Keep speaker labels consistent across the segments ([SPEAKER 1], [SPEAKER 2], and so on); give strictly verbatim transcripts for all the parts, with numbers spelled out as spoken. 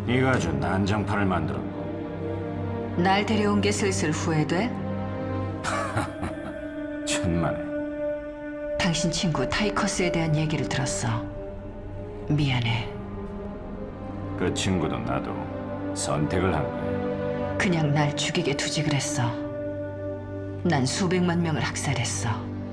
[SPEAKER 1] 네가 아주 난장판을 만들었고.
[SPEAKER 2] 날 데려온 게 슬슬 후회돼?
[SPEAKER 1] 천만에.
[SPEAKER 2] 당신 친구 타이커스에 대한 얘기를 들었어. 미안해.
[SPEAKER 1] 그 친구도 나도 선택을 한 거야.
[SPEAKER 2] 그냥 날 죽이게 두지 그랬어. 난 수백만 명을 학살했어.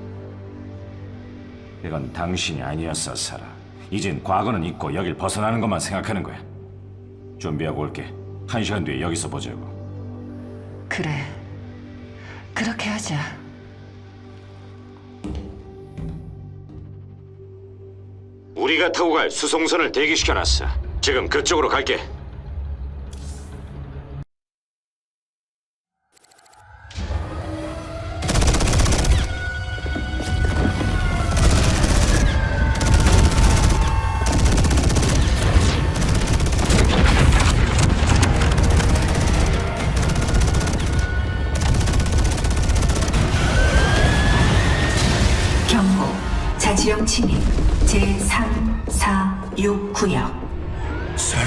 [SPEAKER 1] 이건 당신이 아니었어, 사라. 이젠 과거는 잊고 여길 벗어나는 것만 생각하는 거야. 준비하고 올게. 한 시간 뒤에 여기서 보자고.
[SPEAKER 2] 그래. 그렇게 하자.
[SPEAKER 1] 우리가 타고 갈 수송선을 대기시켜놨어. 지금 그쪽으로 갈게.
[SPEAKER 3] 경고, 자치령 침입 제삼, 사, 육 구역.
[SPEAKER 1] 사라?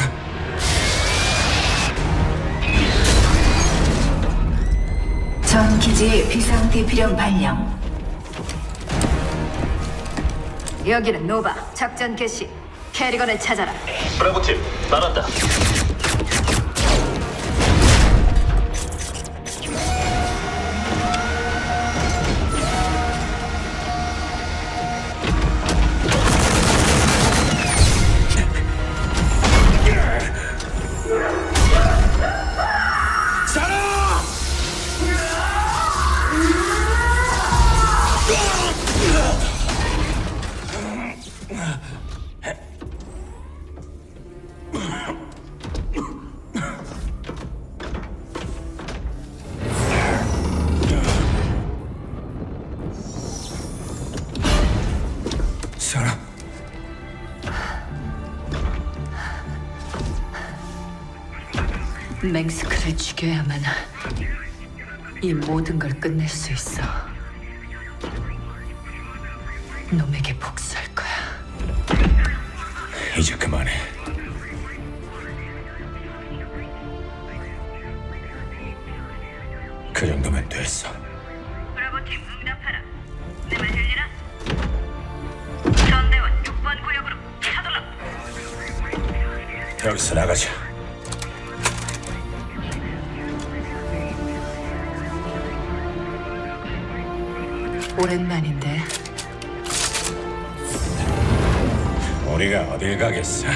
[SPEAKER 3] 전 기지의 비상 대피령 발령.
[SPEAKER 2] 여기는 노바. 작전 개시. 캐리건을 찾아라.
[SPEAKER 4] 브라보팀 나간다.
[SPEAKER 1] 사라?
[SPEAKER 2] 맹스크를 죽여야만 이 모든 걸 끝낼 수 있어. 놈에게 복수할 거야.
[SPEAKER 1] 이제 그만해. 그 정도면 됐어.
[SPEAKER 5] 브라보팀 응답하라. 내 말 들리나? 전대원 육 번 구역으로 차돌라.
[SPEAKER 1] 여기서 나가자.
[SPEAKER 2] 오랜만인데.
[SPEAKER 1] 우리가 어딜 가겠어?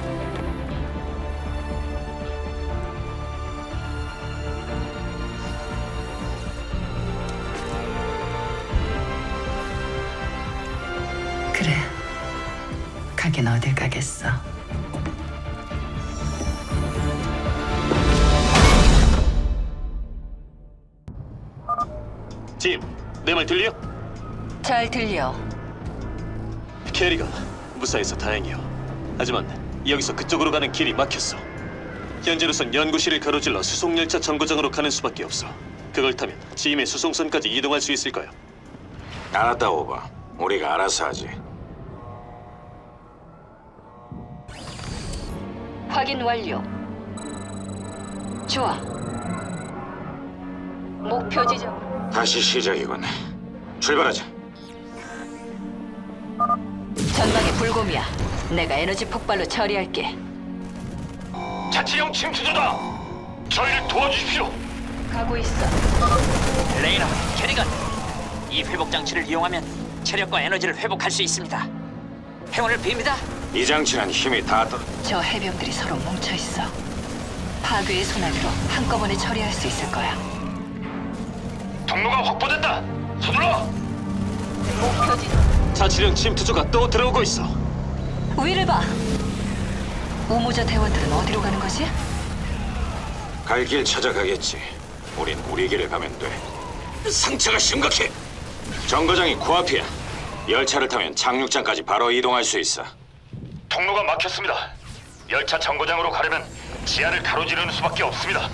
[SPEAKER 2] 그래. 가긴 어딜 가겠어.
[SPEAKER 4] 팀, 내 말 들려?
[SPEAKER 2] 잘 들려.
[SPEAKER 4] 캐리가 무사해서 다행이요. 하지만 여기서 그쪽으로 가는 길이 막혔어. 현재로선 연구실을 가로질러 수송열차 정거장으로 가는 수밖에 없어. 그걸 타면 지임의 수송선까지 이동할 수 있을 거야.
[SPEAKER 1] 알았다, 오버. 우리가 알아서 하지.
[SPEAKER 2] 확인 완료. 좋아. 목표 지점.
[SPEAKER 1] 다시 시작이군. 출발하자.
[SPEAKER 2] 전방에 불곰이야. 내가 에너지 폭발로 처리할게.
[SPEAKER 4] 자치령 침투조다. 저희를 도와주십시오.
[SPEAKER 2] 가고 있어.
[SPEAKER 6] 레이너, 캐리건, 이 회복 장치를 이용하면 체력과 에너지를 회복할 수 있습니다. 행운을 빕니다.
[SPEAKER 1] 이 장치는 힘이 다 떨어.
[SPEAKER 2] 저 해병들이 서로 뭉쳐 있어. 파괴의 소나기로 한꺼번에 처리할 수 있을 거야.
[SPEAKER 4] 통로가 확보됐다. 서둘러.
[SPEAKER 2] 목표 지점.
[SPEAKER 4] 자치령 침투조가 또 들어오고 있어.
[SPEAKER 2] 위를 봐. 우모자 대원들은 어디로 가는 거지?
[SPEAKER 1] 갈 길 찾아가겠지. 우린 우리 길을 가면 돼. 상처가 심각해. 정거장이 코앞이야. 열차를 타면 착륙장까지 바로 이동할 수 있어.
[SPEAKER 4] 통로가 막혔습니다. 열차 정거장으로 가려면 지하를 가로지르는 수밖에 없습니다.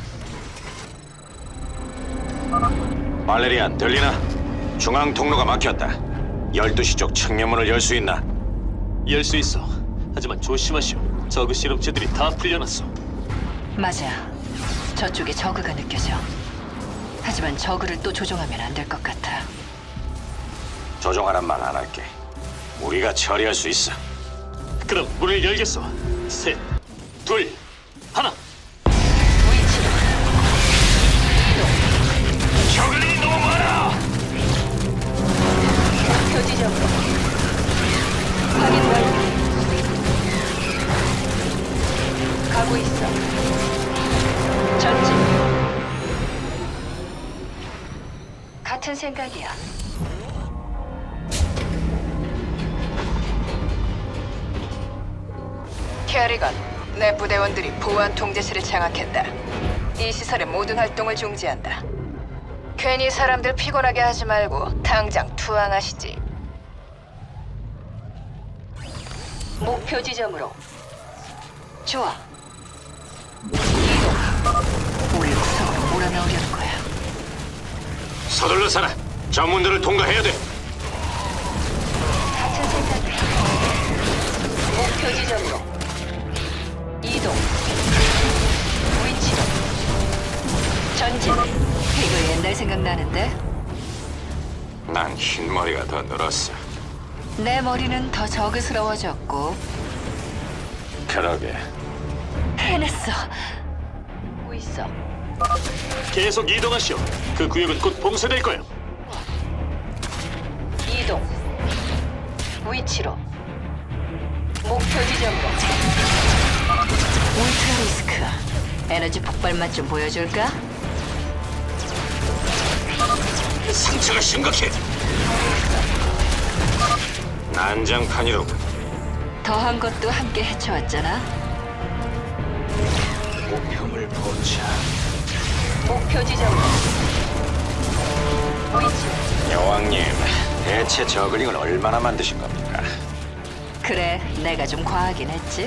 [SPEAKER 1] 발레리안, 들리나? 중앙 통로가 막혔다. 열두 시 쪽 측면문을 열 수 있나?
[SPEAKER 4] 열 수 있어. 하지만 조심하시오. 저그 실험체들이 다 풀려났어.
[SPEAKER 2] 맞아. 저쪽에 저그가 느껴져. 하지만 저그를 또 조종하면 안 될 것 같아.
[SPEAKER 1] 조종하란 말 안 할게. 우리가 처리할 수 있어.
[SPEAKER 4] 그럼 문을 열겠어. 셋, 둘, 하나.
[SPEAKER 2] 위치로.
[SPEAKER 1] 저글링이 너무 많아.
[SPEAKER 2] 목표 지점으로. 확인 완료. 가고 있어. 전진. 같은 생각이야. 캐리건, 내 부대원들이 보안 통제실을 장악했다. 이 시설의 모든 활동을 중지한다. 괜히 사람들 피곤하게 하지 말고 당장 투항하시지. 목표 지점으로. 좋아. 이동. 우리 구석으로 몰아넣으려는 거야.
[SPEAKER 1] 서둘러 살아. 전문들을 통과해야 돼.
[SPEAKER 2] 같은 생각이야. 목표 지점으로. 이동. 위치로. 전진. 이거 옛날 생각나는데?
[SPEAKER 1] 난 흰머리가 더 늘었어.
[SPEAKER 2] 내 머리는 더 저그스러워졌고.
[SPEAKER 1] 그러게.
[SPEAKER 2] 해냈어. 보고 있어.
[SPEAKER 4] 계속 이동하시오. 그 구역은 곧 봉쇄될 거야.
[SPEAKER 2] 이동. 위치로. 목표 지점으로. 울트라 리스크. 에너지 폭발만 좀 보여줄까?
[SPEAKER 1] 상처가 심각해. 난장판이로군.
[SPEAKER 2] 더한 것도 함께 헤쳐왔잖아.
[SPEAKER 1] 목표물 포착.
[SPEAKER 2] 목표 지점으로. 위치.
[SPEAKER 1] 여왕님, 대체 저글링을 얼마나 만드신 겁니까?
[SPEAKER 2] 그래, 내가 좀 과하긴 했지.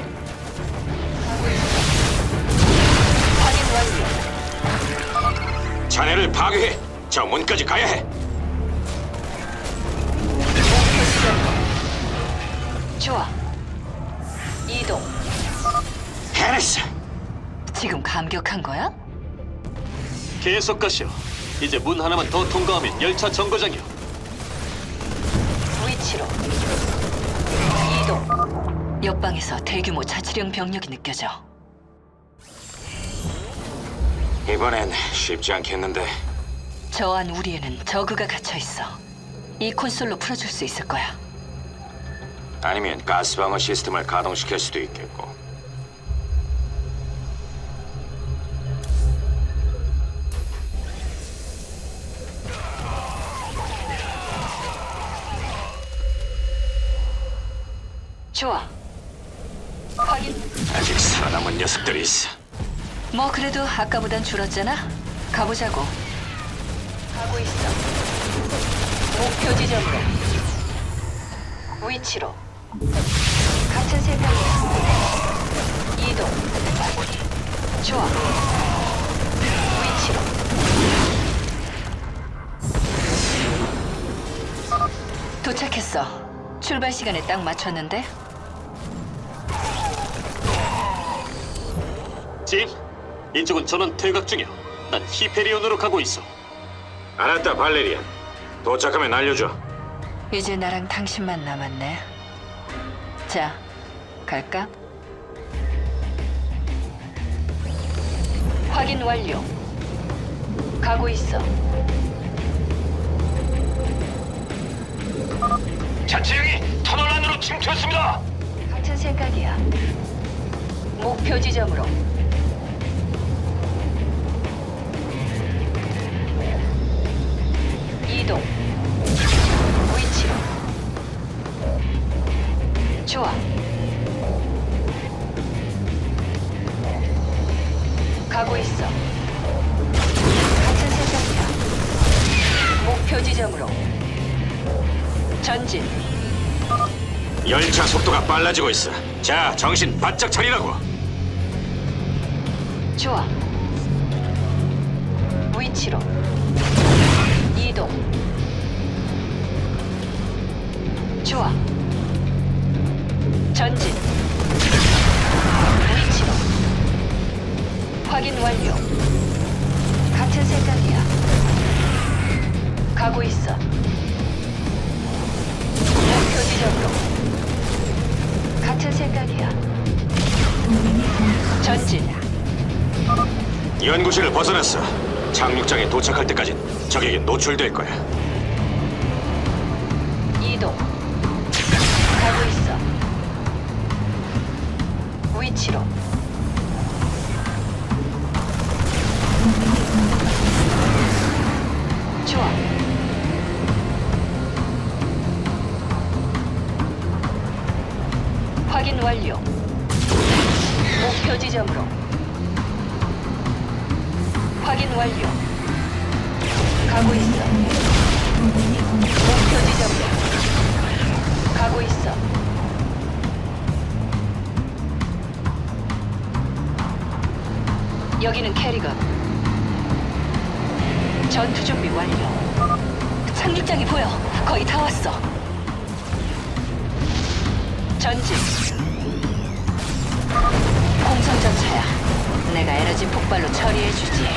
[SPEAKER 2] 확인 완료.
[SPEAKER 1] 자네를 파괴해. 저 문까지 가야 해.
[SPEAKER 2] 목표 지점으로. 좋아. 이동.
[SPEAKER 1] 해냈어.
[SPEAKER 2] 지금 감격한 거야?
[SPEAKER 4] 계속 가시오. 이제 문 하나만 더 통과하면 열차 정거장이오.
[SPEAKER 2] 위치로. 이동. 옆방에서 대규모 자치령 병력이 느껴져.
[SPEAKER 1] 이번엔 쉽지 않겠는데.
[SPEAKER 2] 저 안 우리에는 저그가 갇혀 있어. 이 콘솔로 풀어줄 수 있을 거야.
[SPEAKER 1] 아니면 가스방어 시스템을 가동시킬 수도 있겠고.
[SPEAKER 2] 좋아. 확인.
[SPEAKER 1] 아직 살아남은 녀석들이 있어.
[SPEAKER 2] 뭐 그래도 아까보단 줄었잖아. 가보자고. 가고 있어. 목표 지점으로. 위치로. 같은 생각이야. 이동. 좋아. 위치로. 도착했어. 출발 시간에 딱 맞췄는데.
[SPEAKER 4] 짐, 이쪽은 전원 퇴각 중이오. 난 히페리온으로 가고 있어.
[SPEAKER 1] 알았다, 발레리안. 도착하면 알려줘.
[SPEAKER 2] 이제 나랑 당신만 남았네. 자, 갈까? 확인 완료. 가고 있어.
[SPEAKER 1] 자치령이 터널 안으로 침투했습니다.
[SPEAKER 2] 같은 생각이야. 목표 지점으로. 이동. 위치로. 좋아. 가고 있어. 같은 생각이야. 목표 지점으로. 전진.
[SPEAKER 1] 열차 속도가 빨라지고 있어. 자, 정신 바짝 차리라고.
[SPEAKER 2] 좋아. 위치로. 이동. 좋아. 전진. 위치로. 가고 있어. 목표 지점으로. 같은 생각이야.
[SPEAKER 3] 동맹이 공격.
[SPEAKER 2] 전진.
[SPEAKER 1] 연구실을 벗어났어. 착륙장에 도착할 때까진 적에게 노출될 거야.
[SPEAKER 2] 이동. 가고 있어. 위치로. 좋아. 확인 완료. 목표 지점으로. 확인 완료. 가고 있어.
[SPEAKER 3] 동맹이 공격.
[SPEAKER 2] 목표 지점으로. 가고 있어. 여기는 캐리건. 전투 준비 완료. 착륙장이 보여. 거의 다 왔어. 전진. 공성전차야. 내가 에너지 폭발로 처리해주지.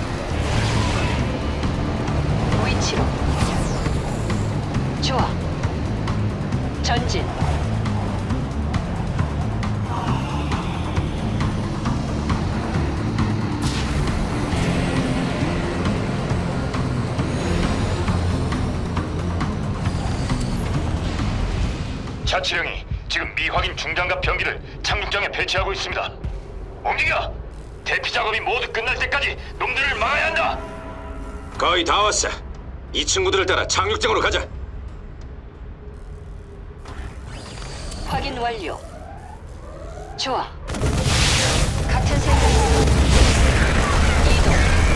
[SPEAKER 2] 위치로. 좋아. 전진.
[SPEAKER 7] 자치령이 지금 미확인 중장갑 병기를 착륙장에 배치하고 있습니다. 움직여! 대피 작업이 모두 끝날 때까지 놈들을 막아야 한다.
[SPEAKER 1] 거의 다 왔어. 이 친구들을 따라 착륙장으로 가자.
[SPEAKER 2] 확인 완료. 좋아. 같은 생각. 이동.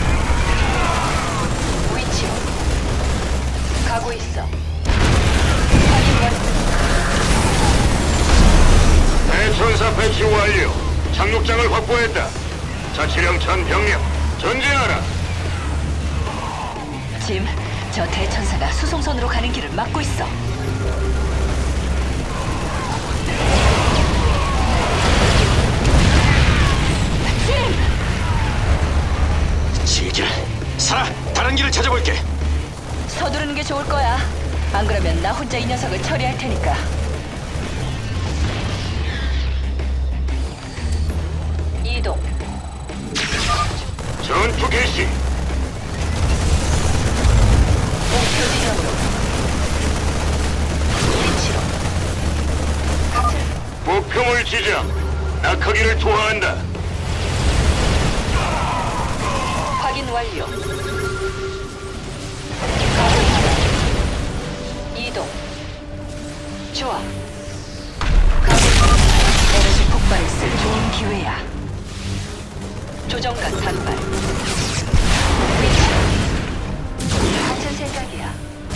[SPEAKER 2] 위치로. 가고 있어. 확인 완료.
[SPEAKER 7] 대천사 배치 완료. 착륙장을 확보했다. 자치령 전 병력 전진하라.
[SPEAKER 2] 짐, 저 대천사가 수송선으로 가는 길을 막고 있어. 짐!
[SPEAKER 1] 지길. 살아. 다른 길을 찾아볼게.
[SPEAKER 2] 서두르는 게 좋을 거야. 안 그러면 나 혼자 이 녀석을 처리할 테니까. 이동.
[SPEAKER 7] 전투 개시.
[SPEAKER 2] 목표 지점으로. 위치로. 같은
[SPEAKER 7] 목표물 지정. 낙하기를 투하한다.
[SPEAKER 2] 확인 완료. 가고 있다. 이동. 좋아. 가고 있다. 에너지 폭발을 쓸 좋은 기회야. 조정관 단발. 위치. 같은 생각이야.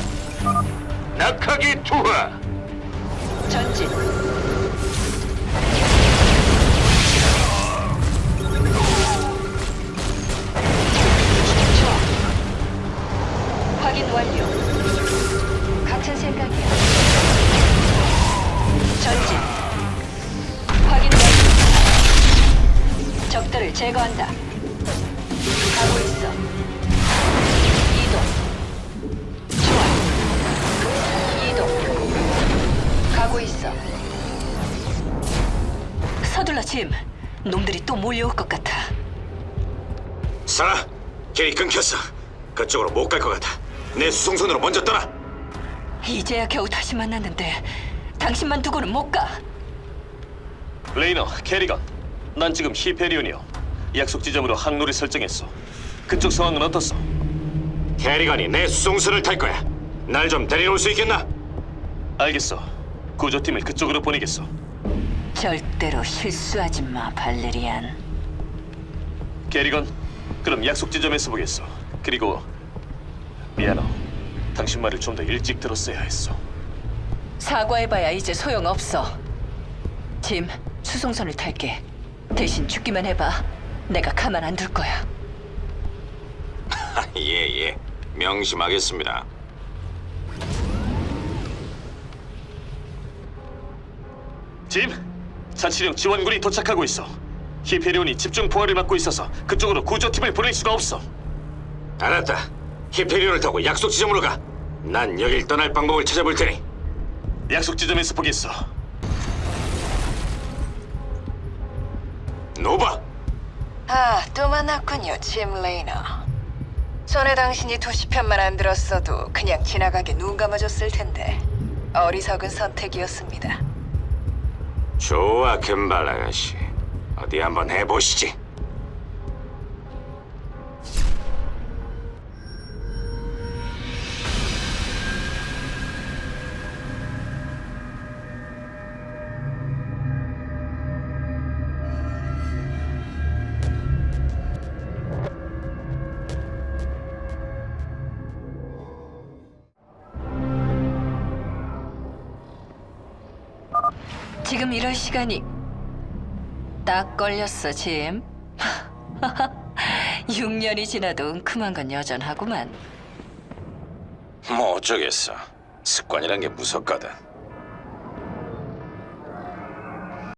[SPEAKER 7] 낙하기 투하.
[SPEAKER 2] 전진. 좋아. 확인 완료. 같은 생각이야. 전진. 확인 완료. 적들을 제거한다. 가고 있어. 이동. 좋아. 이동. 가고 있어. 서둘러 짐. 놈들이 또 몰려올 것 같아.
[SPEAKER 1] 살아. 길이 끊겼어. 그쪽으로 못 갈 것 같아. 내 수송선으로 먼저 떠나.
[SPEAKER 2] 이제야 겨우 다시 만났는데 당신만 두고는 못 가.
[SPEAKER 4] 레이너, 캐리건. 난 지금 히페리온이요. 약속 지점으로 항로를 설정했어. 그쪽 상황은 어떻소?
[SPEAKER 1] 캐리건이 내 수송선을 탈 거야. 날 좀 데려올 수 있겠나?
[SPEAKER 4] 알겠어. 구조팀을 그쪽으로 보내겠어.
[SPEAKER 2] 절대로 실수하지 마, 발레리안.
[SPEAKER 4] 캐리건, 그럼 약속 지점에서 보겠어. 그리고 미안해. 당신 말을 좀 더 일찍 들었어야 했어.
[SPEAKER 2] 사과해봐야 이제 소용없어. 짐, 수송선을 탈게. 대신 죽기만 해봐. 내가 가만 안 둘 거야.
[SPEAKER 1] 예, 예. 명심하겠습니다.
[SPEAKER 4] 짐, 자치령 지원군이 도착하고 있어. 히페리온이 집중 포화를 받고 있어서 그쪽으로 구조팀을 보낼 수가 없어.
[SPEAKER 1] 알았다. 히페리온을 타고 약속 지점으로 가. 난 여길 떠날 방법을 찾아볼 테니.
[SPEAKER 4] 약속 지점에서 보겠어.
[SPEAKER 1] 노바.
[SPEAKER 2] 아, 또 만났군요, 짐 레이너. 전에 당신이 도시편만 안 들었어도 그냥 지나가게 눈 감아줬을 텐데 어리석은 선택이었습니다.
[SPEAKER 1] 좋아, 금발 아가씨. 어디 한번 해보시지.
[SPEAKER 2] 지금 이럴 시간이 딱 걸렸어, 짐. 육 년이 지나도 은큼한 건 여전하구만.
[SPEAKER 1] 뭐 어쩌겠어. 습관이란 게 무섭거든.